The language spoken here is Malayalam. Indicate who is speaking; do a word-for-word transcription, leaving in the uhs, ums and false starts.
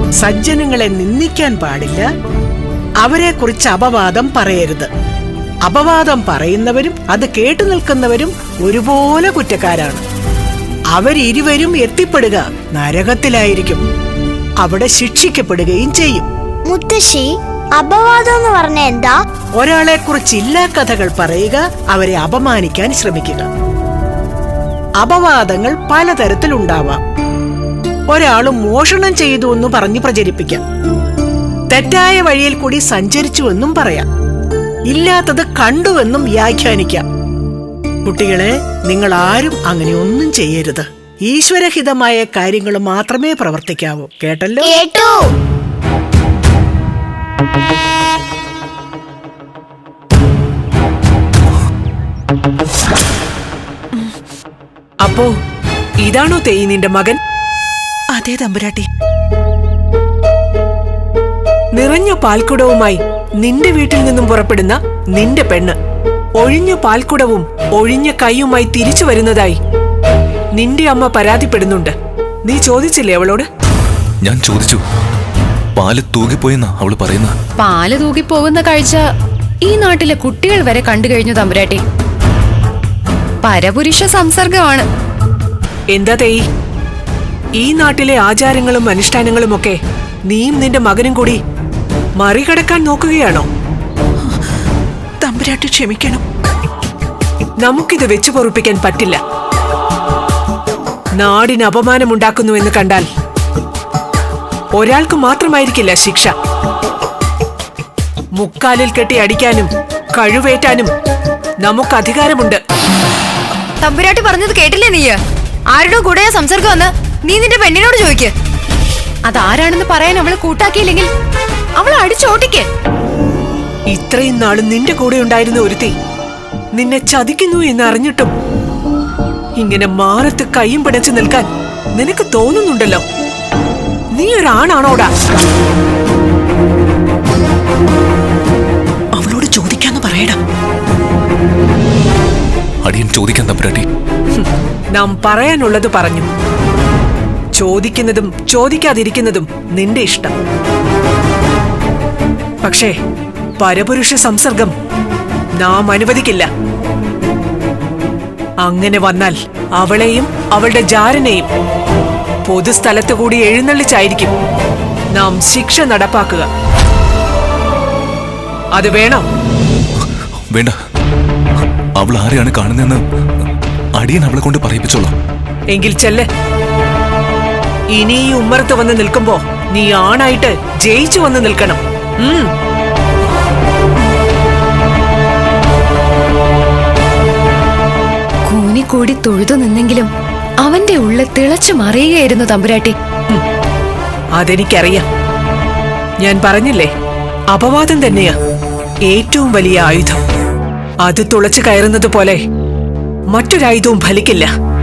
Speaker 1: സജ്ജനങ്ങളെ നിന്ദിക്കാൻ പാടില്ല, അവരെ കുറിച്ച് അപവാദം പറയരുത്. അപവാദം പറയുന്നവരും അത് കേട്ടു നിൽക്കുന്നവരും ഒരുപോലെ കുറ്റക്കാരാണ്. അവരിരുവരും എത്തിപ്പെടുക നരകത്തിലായിരിക്കും. അവിടെ ശിക്ഷിക്കപ്പെടുകയും ചെയ്യും.
Speaker 2: മുത്തശ്ശി, അപവാദം എന്ന് പറഞ്ഞ എന്താ?
Speaker 1: ഒരാളെ കുറിച്ച് ഇല്ലാ കഥകൾ പറയുക, അവരെ അപമാനിക്കാൻ ശ്രമിക്കുക. അപവാദങ്ങൾ പലതരത്തിലുണ്ടാവാം. ഒരാൾ മോഷണം ചെയ്തു എന്ന് പറഞ്ഞ് പ്രചരിപ്പിക്കാം. തെറ്റായ വഴിയിൽ കൂടി സഞ്ചരിച്ചുവെന്നും പറയാം. ഇല്ലാത്തത് കണ്ടുവെന്നും വ്യാഖ്യാനിക്കാം. കുട്ടികളെ, നിങ്ങൾ ആരും അങ്ങനെ ഒന്നും ചെയ്യരുത്. ഈശ്വരഹിതമായ കാര്യങ്ങൾ മാത്രമേ പ്രവർത്തിക്കാവൂ. കേട്ടല്ലോ?
Speaker 2: കേട്ടു.
Speaker 3: അപ്പോ ഇതാണോ തേയി നിന്റെ മകൻ?
Speaker 4: അതെ തമ്പുരാട്ടി.
Speaker 3: നിറഞ്ഞ പാൽക്കുടവുമായി നിന്റെ വീട്ടിൽ നിന്നും പുറപ്പെടുന്ന നിന്റെ പെണ്ണ് ഒഴിഞ്ഞ പാൽക്കുടവും ഒഴിഞ്ഞ കൈയുമായി തിരിച്ചു വരുന്നതായി നിന്റെ അമ്മ പരാതിപ്പെടുന്നുണ്ട്. നീ ചോദിച്ചില്ലേ അവളോട്?
Speaker 5: ഞാൻ ചോദിച്ചു. പാല് തൂകിപ്പോയെന്നാ അവള് പറയുന്ന.
Speaker 6: പാല് തൂകിപ്പോകുന്ന കാഴ്ച ഈ നാട്ടിലെ കുട്ടികൾ വരെ കണ്ടു കഴിഞ്ഞു തമ്പുരാട്ടി. പരപുരുഷ സംസർഗമാണ്.
Speaker 3: എന്താ തേയി, ഈ നാട്ടിലെ ആചാരങ്ങളും അനുഷ്ഠാനങ്ങളും ഒക്കെ നീയും നിന്റെ മകനും കൂടി മറികടക്കാൻ നോക്കുകയാണോ?
Speaker 4: തമ്പുരാട്ടി ക്ഷമിക്കണം.
Speaker 3: നമുക്കിത് വെച്ചു പൊറുപ്പിക്കാൻ പറ്റില്ല. നാടിന് അപമാനമുണ്ടാക്കുന്നു എന്ന് കണ്ടാൽ ഒരാൾക്ക് മാത്രമായിരിക്കില്ല ശിക്ഷ. മുക്കാലിൽ കെട്ടി അടിക്കാനും കഴിവേറ്റാനും നമുക്ക് അധികാരമുണ്ട്.
Speaker 6: തമ്പുരാട്ടി പറഞ്ഞത് കേട്ടില്ലേ നീ? ആരുടെ കൂടെയാ സംസർഗം എന്ന് നീ നിന്റെ പെണ്ണിനോട് ചോദിക്ക്. അതാരാണെന്ന് പറയാൻ അവളെ കൂട്ടാക്കിയില്ലെങ്കിൽ അവളെ അടിച്ചോട്ടിക്ക്.
Speaker 3: ഇത്രയും നാളും നിന്റെ കൂടെ ഉണ്ടായിരുന്ന ഒരുത്തി നിന്നെ ചതിക്കുന്നു എന്ന് അറിഞ്ഞിട്ടും ഇങ്ങനെ മാറത്ത് കൈയും പിടച്ചു നിൽക്കാൻ നിനക്ക് തോന്നുന്നുണ്ടല്ലോ. നീ ഒരാണാണോടാ?
Speaker 4: അവളോട് ചോദിക്കാന്ന് പറയടാ.
Speaker 5: അടിയൻ ചോദിക്കാൻ തമ്പുരാട്ടി.
Speaker 3: നാം പറയാനുള്ളത് പറഞ്ഞു. ചോദിക്കുന്നതും ചോദിക്കാതിരിക്കുന്നതും നിന്റെ ഇഷ്ടം. പക്ഷേ പരപുരുഷ സംസർഗം നാം അനുവദിക്കില്ല. അങ്ങനെ വന്നാൽ അവളെയും അവളുടെ ജാരനെയും പൊതുസ്ഥലത്ത് കൂടി എഴുന്നള്ളിച്ചായിരിക്കും നാം ശിക്ഷ നടപ്പാക്കുക. അത് വേണോ?
Speaker 5: വേണ്ട. അവൾ ആരെയാണ് കാണുന്നതെന്ന് അടിയൻ അവളെ കൊണ്ട് പറയിപ്പിച്ചോളാം.
Speaker 3: എങ്കിൽ ചെല്ല്. ഇനി ഈ ഉമ്മറത്ത് വന്ന് നിൽക്കുമ്പോ നീ ആണായിട്ട് ജയിച്ചു വന്ന് നിൽക്കണം. ഉം
Speaker 6: കൂനിക്കൂടി തൊഴുതു നിന്നെങ്കിലും അവന്റെ ഉള്ളിൽ തിളച്ചു മറിയുകയായിരുന്നു തമ്പുരാട്ടി.
Speaker 3: അതെനിക്കറിയാം. ഞാൻ പറഞ്ഞില്ലേ, അപവാദം തന്നെയാ ഏറ്റവും വലിയ ആയുധം. അത് തുളച്ചു കയറുന്നത് പോലെ മറ്റൊരായുധവും ഫലിക്കില്ല.